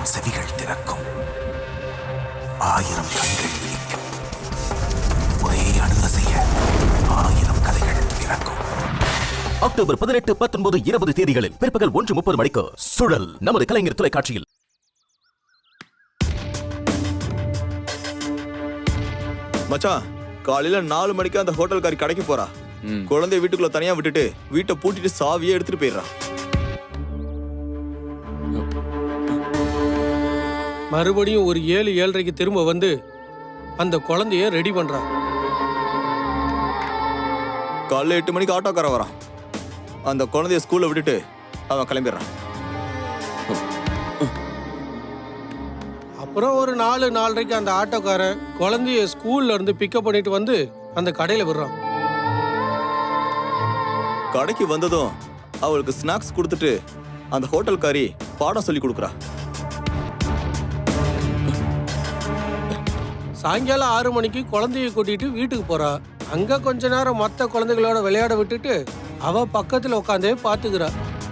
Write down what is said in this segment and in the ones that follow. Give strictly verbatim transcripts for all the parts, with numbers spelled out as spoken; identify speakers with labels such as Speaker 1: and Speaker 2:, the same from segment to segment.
Speaker 1: ஆயிரம் செவிகள் திறக்கும், ஆயிரம் கண்கள் விழிக்கும், ஒரே அணுக செய்ய ஆயிரம் கதைகள் பிறக்கும். அக்டோபர் பதினெட்டு பத்தொன்பது இருபது தேதிகளில் பிற்பகல் ஒன்று முப்பது மணிக்கு சுழல் நமது கலைஞர் தொலைக்காட்சியில்.
Speaker 2: மச்சான், காலையில நாலு மணிக்கு அந்த ஹோட்டல்காரி கடைக்கு போறா. குழந்தைய வீட்டுக்குள்ள தனியா விட்டுட்டு வீட்டை பூட்டிட்டு சாவியே எடுத்துட்டு போயிடுறா.
Speaker 3: மறுபடியும் ஒரு ஏழு ஏழரைக்கு திரும்ப வந்து அந்த குழந்தைய ரெடி பண்றா.
Speaker 2: காலைல எட்டு மணிக்கு ஆட்டோக்கார வரான். அந்த குழந்தைய ஸ்கூல்ல விட்டுட்டு அவன் கிளம்பிடுறான்.
Speaker 3: அப்புறம் ஒரு நாலு நாலரைக்கு அந்த ஆட்டோக்காரன் குழந்தைய ஸ்கூல்ல இருந்து பிக்கப் பண்ணிட்டு வந்து அந்த கடையில விடுறான்.
Speaker 2: கடைக்கு வந்ததும் அவளுக்கு ஸ்நாக்ஸ் கொடுத்துட்டு அந்த ஹோட்டல்காரி பாடம் சொல்லி கொடுக்குறா.
Speaker 3: சாயங்காலம் ஆறு மணிக்கு குழந்தைய கூட்டிட்டு வீட்டுக்கு போறா. அங்க கொஞ்ச நேரம் மற்ற குழந்தைகளோட விளையாட விட்டுட்டு அவ பக்கத்துல உட்காந்தே பாத்துக்கிறா.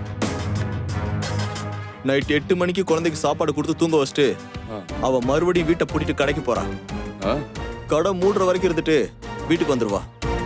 Speaker 2: நைட் எட்டு மணிக்கு குழந்தைக்கு சாப்பாடு கொடுத்து தூங்க வச்சுட்டு அவ மறுபடியும் வீட்டை பூட்டிட்டு கடைக்கு போறா. கடை மூடுற வரைக்கும் இருந்துட்டு வீட்டுக்கு வந்துருவா.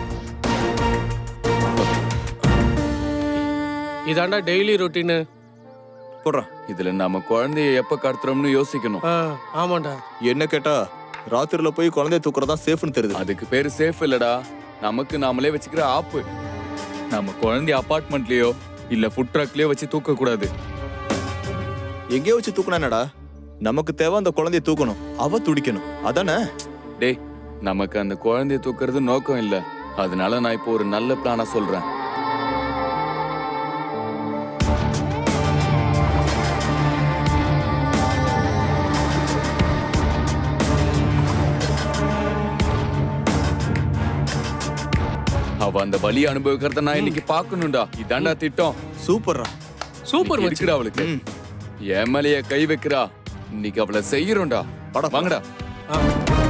Speaker 3: இதாண்டா டெய்லி ரொட்டீனு.
Speaker 2: போடுறான்.
Speaker 4: இதுல நம்ம குழந்தைய எப்ப கடத்துறோம்னு யோசிக்கணும்.
Speaker 3: ஆமாண்டா.
Speaker 2: என்ன கேட்டா ராத்திரில போய் குழந்தைய தூக்குறதா சேஃப்னு தெரியுது.
Speaker 4: அதுக்கு பேரு சேஃப் இல்லடா, நமக்கு நாமளே வச்சுக்கிற ஆப்பு. நம்ம குழந்தைய அபார்ட்மெண்ட்லயோ இல்ல ஃபுட் ட்ரக்லயோ வச்சு தூக்க கூடாது.
Speaker 2: எங்கேயோ வச்சு தூக்குனா என்னடா, நமக்கு தேவை அந்த குழந்தைய தூக்கணும், அவ துடிக்கணும், அதானே?
Speaker 4: டேய், நமக்கு அந்த குழந்தைய தூக்குறது நோக்கம் இல்ல. அதனால நான் இப்போ ஒரு நல்ல பிளானா சொல்றேன். அவ அந்த வலி அனுபவிக்கிறத நான் இன்னைக்கு பாக்கணும்டா. இதாண்டா திட்டம்.
Speaker 2: சூப்பர்ரா.
Speaker 3: சூப்பர்
Speaker 4: இருக்குடா அவளுக்கு. என் மேலைய கை வைக்கிறா. இன்னைக்கு அவளை செய்யறோம்டா. வாங்கடா.